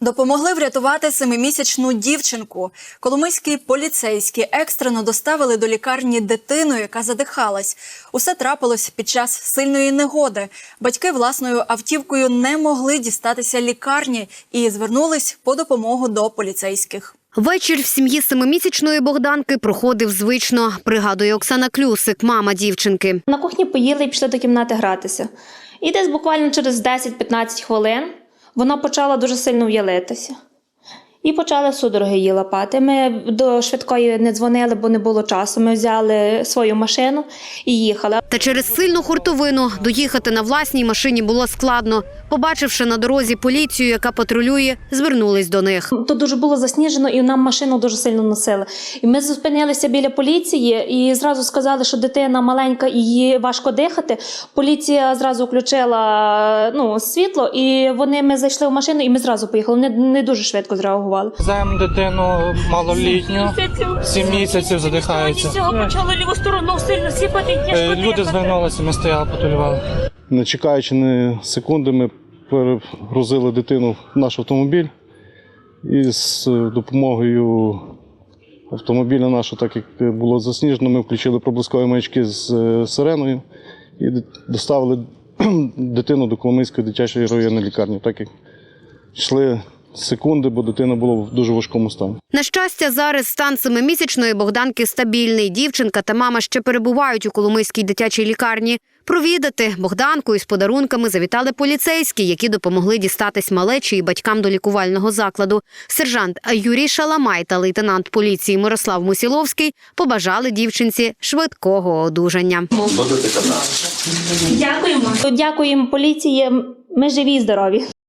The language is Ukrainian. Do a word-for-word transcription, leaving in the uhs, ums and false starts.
Допомогли врятувати семимісячну дівчинку. Коломийські поліцейські екстрено доставили до лікарні дитину, яка задихалась. Усе трапилось під час сильної негоди. Батьки власною автівкою не могли дістатися лікарні і звернулись по допомогу до поліцейських. Вечір в сім'ї семимісячної Богданки проходив звично, пригадує Оксана Клюсик, мама дівчинки. На кухні поїли і пішли до кімнати гратися. І десь буквально через десять-п'ятнадцять хвилин вона почала дуже сильно в'ялитися. І почали судороги її лапати. Ми до швидкої не дзвонили, бо не було часу. Ми взяли свою машину і їхали. Та через сильну хуртовину доїхати на власній машині було складно. Побачивши на дорозі поліцію, яка патрулює, звернулись до них. Тут дуже було засніжено, і нам машину дуже сильно носили. І ми зупинилися біля поліції і зразу сказали, що дитина маленька і їй важко дихати. Поліція зразу включила ну, світло, і вони, ми зайшли в машину, і ми зразу поїхали. Не, не дуже швидко зреагували. Веземо дитину малолітню, сім місяців задихається. Почали ліву сторону сильно сіпати. Люди звернулися, ми стояли, патрулювали. Не чекаючи ні секунди, ми перегрузили дитину в наш автомобіль. І з допомогою автомобіля нашого, так як було засніжено, ми включили проблискові маячки з сиреною і доставили дитину до Коломийської дитячої районної лікарні, так як йшли секунди, бо дитина була в дуже важкому стані. На щастя, зараз стан семимісячної Богданки стабільний. Дівчинка та мама ще перебувають у Коломийській дитячій лікарні. Провідати Богданку із подарунками завітали поліцейські, які допомогли дістатись малечі і батькам до лікувального закладу. Сержант Юрій Шаламай та лейтенант поліції Мирослав Мусіловський побажали дівчинці швидкого одужання. Дякуємо. Дякуємо поліції. Ми живі і здорові.